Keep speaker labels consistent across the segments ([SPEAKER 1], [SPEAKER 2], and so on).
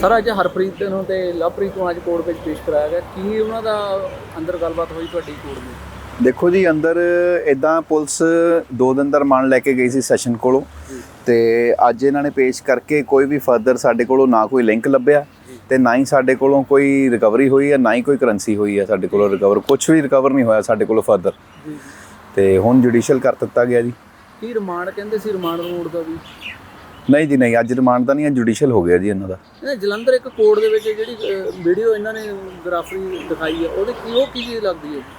[SPEAKER 1] Sir ਅੱਜ ਹਰਪ੍ਰੀਤ ਨੂੰ ਤੇ ਲਵਪ੍ਰੀਤ ਨੂੰ ਅੱਜ ਕੋਰਟ ਵਿੱਚ ਪੇਸ਼ ਕਰਾਇਆ ਗਿਆ। ਕੀ ਉਹਨਾਂ ਦਾ ਅੰਦਰ ਗੱਲਬਾਤ ਹੋਈ ਤੁਹਾਡੀ ਕੋਰਟ ਵਿੱਚ?
[SPEAKER 2] ਦੇਖੋ ਜੀ, ਅੰਦਰ ਇੱਦਾਂ ਪੁਲਿਸ 2 ਦਿਨ ਦਾ ਰਿਮਾਂਡ ਲੈ ਕੇ ਗਈ ਸੀ ਸੈਸ਼ਨ ਕੋਲੋਂ, ਤੇ ਅੱਜ ਇਹਨਾਂ ਨੇ ਪੇਸ਼ ਕਰਕੇ ਕੋਈ ਵੀ ਫਰਦਰ ਸਾਡੇ ਕੋਲੋਂ ਨਾ ਕੋਈ ਲਿੰਕ ਲੱਭਿਆ ਤੇ ਨਾ ਹੀ ਸਾਡੇ ਕੋਲੋਂ ਕੋਈ ਰਿਕਵਰੀ ਹੋਈ ਹੈ, ਨਾ ਹੀ ਕੋਈ ਕਰੰਸੀ ਹੋਈ ਹੈ ਸਾਡੇ ਕੋਲੋਂ ਰਿਕਵਰ। ਕੁਝ ਵੀ ਰਿਕਵਰ ਨਹੀਂ ਹੋਇਆ ਸਾਡੇ ਕੋਲੋਂ ਫਰਦਰ, ਤੇ ਹੁਣ ਜੁਡੀਸ਼ੀਅਲ ਕਰ ਦਿੱਤਾ ਗਿਆ ਜੀ।
[SPEAKER 1] ਕੀ ਰਿਮਾਂਡ ਕਹਿੰਦੇ ਸੀ? ਰਿਮਾਂਡ ਰੋਡ ਦਾ ਵੀ
[SPEAKER 2] ਨਹੀਂ ਜੀ, ਨਹੀਂ, ਅੱਜ ਰਿਮਾਂਡ ਤਾਂ ਨਹੀਂ, ਅੱਜ ਜੁਡੀਸ਼ੀਅਲ ਹੋ ਗਿਆ ਜੀ ਇਹਨਾਂ ਦਾ।
[SPEAKER 1] ਜਲੰਧਰ ਇੱਕ ਕੋਰਟ ਦੇ ਵਿੱਚ ਜਿਹੜੀ ਵੀਡੀਓ ਇਹਨਾਂ ਨੇ ਗ੍ਰਾਫਰੀ ਦਿਖਾਈ ਹੈ, ਉਹਦੇ ਕੀ ਕੀ ਚੀਜ਼ ਲੱਗਦੀ ਹੈ?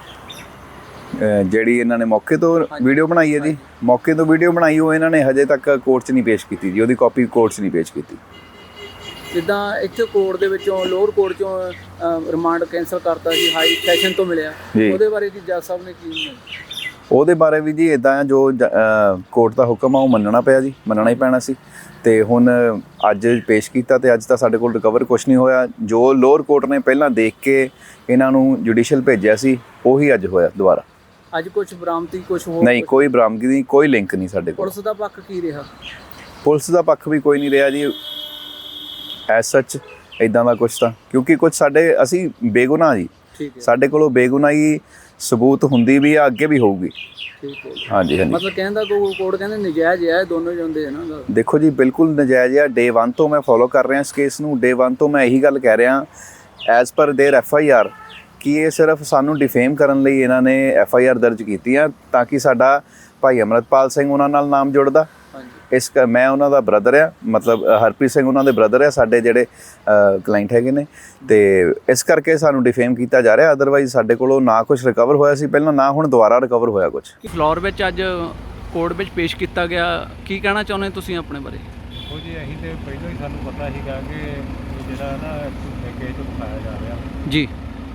[SPEAKER 2] ਜਿਹੜੀ ਇਹਨਾਂ ਨੇ ਮੌਕੇ ਤੋਂ ਵੀਡੀਓ ਬਣਾਈ ਹੈ ਜੀ, ਮੌਕੇ ਤੋਂ ਵੀਡੀਓ ਬਣਾਈ, ਉਹ ਇਹਨਾਂ ਨੇ ਹਜੇ ਤੱਕ ਕੋਰਟ 'ਚ ਨਹੀਂ ਪੇਸ਼ ਕੀਤੀ ਜੀ। ਉਹਦੀ ਕਾਪੀ ਕੋਰਟ 'ਚ ਨਹੀਂ ਪੇਸ਼ ਕੀਤੀ।
[SPEAKER 1] ਜਿੱਦਾਂ ਇੱਥੇ ਕੋਰਟ ਦੇ ਵਿੱਚੋਂ ਲੋਅਰ ਕੋਰਟ 'ਚੋਂ ਰਿਮਾਂਡ ਕੈਂਸਲ ਕਰਤਾ ਸੀ, ਹਾਈ ਸੈਸ਼ਨ ਤੋਂ ਮਿਲਿਆ, ਉਹਦੇ ਬਾਰੇ ਕੀ ਜੱਜ ਸਾਹਿਬ ਨੇ ਕੀ?
[SPEAKER 2] ਉਹਦੇ ਬਾਰੇ ਵੀ ਜੀ ਇੱਦਾਂ ਆ, ਜੋ ਕੋਰਟ ਦਾ ਹੁਕਮ ਆ ਉਹ ਮੰਨਣਾ ਪਿਆ ਜੀ, ਮੰਨਣਾ ਹੀ ਪੈਣਾ ਸੀ। ਤੇ ਹੁਣ ਅੱਜ ਪੇਸ਼ ਕੀਤਾ ਤੇ ਅੱਜ ਤਾਂ ਸਾਡੇ ਕੋਲ ਰਿਕਵਰ ਕੁਝ ਨਹੀਂ ਹੋਇਆ। ਜੋ ਲੋਅਰ ਕੋਰਟ ਨੇ ਪਹਿਲਾਂ ਦੇਖ ਕੇ ਇਹਨਾਂ ਨੂੰ ਜੁਡੀਸ਼ੀਅਲ ਭੇਜਿਆ ਸੀ, ਉਹੀ ਅੱਜ ਹੋਇਆ ਦੁਬਾਰਾ।
[SPEAKER 1] ਅੱਜ ਕੁਝ ਬਰਾਮਦੀ ਕੁਝ ਹੋਰ
[SPEAKER 2] ਨਹੀਂ, ਕੋਈ ਬਰਾਮਦਗੀ ਨਹੀਂ, ਕੋਈ ਲਿੰਕ ਨਹੀਂ ਸਾਡੇ ਕੋਲ।
[SPEAKER 1] ਪੁਲਿਸ ਦਾ ਪੱਖ ਕੀ ਰਿਹਾ?
[SPEAKER 2] ਪੁਲਿਸ ਦਾ ਪੱਖ ਵੀ ਕੋਈ ਨਹੀਂ ਰਿਹਾ ਜੀ ਐਸ ਸੱਚ ਇੱਦਾਂ ਦਾ ਕੁਛ ਤਾਂ, ਕਿਉਂਕਿ ਕੁਝ ਸਾਡੇ ਅਸੀਂ ਬੇਗੁਨਾਹ ਜੀ, ਸਾਡੇ ਕੋਲੋਂ ਬੇਗੁਨਾਹੀ ਸਬੂਤ ਹੁੰਦੀ ਵੀ ਆ, ਅੱਗੇ ਵੀ ਹੋਊਗੀ।
[SPEAKER 1] ਠੀਕ ਹੈ,
[SPEAKER 2] ਹਾਂਜੀ ਹਾਂਜੀ।
[SPEAKER 1] ਮਤਲਬ ਕਹਿੰਦਾ ਕੋਰਟ ਕਹਿੰਦੇ ਨਜਾਇਜ਼ ਹੈ, ਦੋਨੋਂ ਜਾਂਦੇ ਹਨ ਨਾ।
[SPEAKER 2] ਦੇਖੋ ਜੀ, ਬਿਲਕੁਲ ਨਜਾਇਜ਼ ਆ। ਡੇ 1 ਤੋਂ ਮੈਂ ਫੋਲੋ ਕਰ ਰਿਹਾ ਇਸ ਕੇਸ ਨੂੰ। ਡੇ 1 ਤੋਂ ਮੈਂ ਇਹੀ ਗੱਲ ਕਹਿ ਰਿਹਾ, ਐਜ਼ ਪਰ ਦੇਅਰ FIR, ਕਿ ਇਹ ਸਿਰਫ ਸਾਨੂੰ ਡਿਫੇਮ ਕਰਨ ਲਈ ਇਹਨਾਂ ਨੇ FIR ਦਰਜ ਕੀਤੀ ਆ, ਤਾਂ ਕਿ ਸਾਡਾ ਭਾਈ ਅਮਰਤਪਾਲ ਸਿੰਘ ਉਹਨਾਂ ਨਾਲ ਨਾਮ ਜੁੜਦਾ। ਮੈਂ ਉਹਨਾਂ ਦਾ ਬ੍ਰਦਰ ਆ, ਮਤਲਬ ਹਰਪ੍ਰੀਤ ਸਿੰਘ ਉਹਨਾਂ ਦੇ ਬ੍ਰਦਰ ਆ, ਸਾਡੇ ਜਿਹੜੇ ਕਲਾਇੰਟ ਹੈਗੇ ਨੇ, ਤੇ ਇਸ ਕਰਕੇ ਸਾਨੂੰ ਡਿਫੇਮ ਕੀਤਾ ਜਾ ਰਿਹਾ। ਅਦਰਵਾਈਜ਼ ਸਾਡੇ ਕੋਲੋਂ ਨਾ ਕੁਝ ਰਿਕਵਰ ਹੋਇਆ ਸੀ ਪਹਿਲਾਂ, ਨਾ ਹੁਣ ਦੁਬਾਰਾ ਰਿਕਵਰ ਹੋਇਆ ਕੁਝ।
[SPEAKER 1] ਫਲੋਰ ਵਿੱਚ ਅੱਜ ਕੋਰਟ ਵਿੱਚ ਪੇਸ਼ ਕੀਤਾ ਗਿਆ, ਕੀ ਕਹਿਣਾ ਚਾਹੁੰਦੇ ਤੁਸੀਂ ਆਪਣੇ ਬਾਰੇ?
[SPEAKER 3] ਉਹ ਜੀ ਅਸੀਂ ਤੇ ਪਹਿਲਾਂ ਹੀ ਸਾਨੂੰ ਪਤਾ ਸੀਗਾ ਕਿ ਜਿਹੜਾ ਨਾ ਕੇਸ ਉਠਾਇਆ ਜਾ ਰਿਹਾ
[SPEAKER 1] ਜੀ।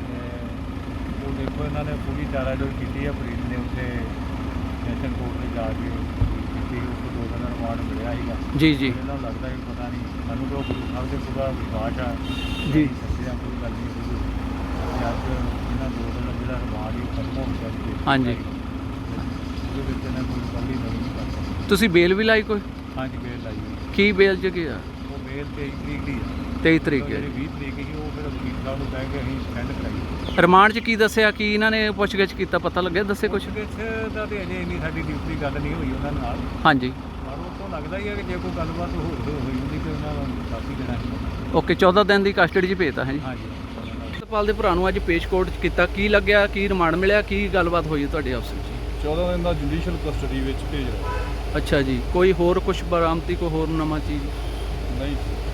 [SPEAKER 3] ਉਹ ਦੇਖੋ ਇਹਨਾਂ ਨੇ ਪੂਰੀ ਚਾਰਾਜੋਈ ਕੀਤੀ ਹੈ। ਪ੍ਰੀਤ ਨੇ ਉੱਥੇ ਸੈਸ਼ਨ ਕੋਰਟ ਵਿੱਚ ਜਾ ਕੇ ਕੀਤੀ, ਉਸ ਤੋਂ 2 ਦਿਨ ਦਾ ਰਿਮਾਂਡ ਮਿਲਿਆ ਸੀਗਾ
[SPEAKER 1] ਜੀ ਜੀ।
[SPEAKER 3] ਇਹਨਾਂ ਨੂੰ ਲੱਗਦਾ ਕਿ ਪਤਾ ਨਹੀਂ, ਸਾਨੂੰ ਤਾਂ ਗੁਰੂ ਸਾਹਿਬ ਦੇ ਪੂਰਾ ਵਿਸ਼ਵਾਸ ਆ
[SPEAKER 1] ਜੀ,
[SPEAKER 3] ਸੱਚਿਆ ਕੋਈ ਗੱਲ ਨਹੀਂ ਹੋਈ। ਅਤੇ ਅੱਜ ਇਹਨਾਂ 2 ਦਿਨ ਦਾ ਜਿਹੜਾ ਰਿਮਾਂਡ ਹੀ ਖਤਮ ਹੋ ਗਿਆ ਸੀ।
[SPEAKER 1] ਹਾਂਜੀ,
[SPEAKER 3] ਉਹਦੇ ਵਿੱਚ ਇਹਨਾਂ ਕੋਈ ਗੱਲ ਹੀ ਨਹੀਂ ਕਰ ਸਕਦਾ।
[SPEAKER 1] ਤੁਸੀਂ ਬੇਲ ਵੀ ਲਾਈ ਕੋਈ?
[SPEAKER 3] ਹਾਂਜੀ, ਬੇਲ ਲਾਈ ਹੋਈ।
[SPEAKER 1] ਕੀ ਬੇਲ 'ਚ ਕੀ ਆ?
[SPEAKER 3] ਉਹ ਬੇਲ 23 ਤਰੀਕ ਦੀ ਹੈ।
[SPEAKER 1] 23 ਤਰੀਕ ਹੈ।
[SPEAKER 3] ਜਿਹੜੀ 20 ਤਰੀਕ ਸੀ ਉਹ ਫਿਰ ਵਕੀਲ ਸਾਹਿਬ ਨੂੰ ਕਹਿ ਕੇ ਅਸੀਂ ਸੈਂਡ ਕਰਾਈ।
[SPEAKER 1] ਰਿਮਾਂਡ 'ਚ ਕੀ ਦੱਸਿਆ? ਕੀ ਇਹਨਾਂ ਨੇ ਪੁੱਛਗਿੱਛ ਕੀਤਾ, ਪਤਾ ਲੱਗਿਆ? ਦੱਸੇ ਕੁਛ?
[SPEAKER 3] ਪੁੱਛਗਿੱਛ ਦਾ ਤੇ ਅਜੇ ਇੰਨੀ ਸਾਡੀ ਡਿਊਟੀ ਗੱਲ ਨਹੀਂ ਹੋਈ ਉਹਨਾਂ ਨਾਲ।
[SPEAKER 1] ਹਾਂਜੀ,
[SPEAKER 3] ਪਰ ਉਹ ਤੋਂ ਲੱਗਦਾ ਹੀ ਹੈ ਕਿ ਜੇ ਕੋਈ ਗੱਲਬਾਤ ਹੋਈ ਹੁੰਦੀ ਤੇ ਉਹਨਾਂ ਨੂੰ ਦੱਸ ਹੀ ਦੇਣਾ ਸੀ।
[SPEAKER 1] ਓਕੇ, 14 ਦਿਨ ਦੀ ਕਸਟਡੀ 'ਚ ਭੇਜਤਾ ਹੈ ਜੀ।
[SPEAKER 3] ਹਾਂਜੀ।
[SPEAKER 1] ਅਮਰਤਪਾਲ ਦੇ ਭਰਾ ਨੂੰ ਅੱਜ ਪੇਸ਼ ਕੋਰਟ 'ਚ ਕੀਤਾ, ਕੀ ਲੱਗਿਆ? ਕੀ ਰਿਮਾਂਡ ਮਿਲਿਆ? ਕੀ ਗੱਲਬਾਤ ਹੋਈ ਤੁਹਾਡੇ ਆਪਸ ਵਿੱਚ?
[SPEAKER 4] 14 ਦਿਨ ਦਾ ਜੁਡੀਸ਼ੀਅਲ ਕਸਟਡੀ ਵਿੱਚ ਭੇਜ ਰਿਹਾ।
[SPEAKER 1] ਅੱਛਾ ਜੀ। ਕੋਈ ਹੋਰ ਕੁਝ ਬਰਾਮਦੀ, ਕੋਈ ਹੋਰ ਨਵਾਂ ਚੀਜ਼?
[SPEAKER 4] ਨਹੀਂ।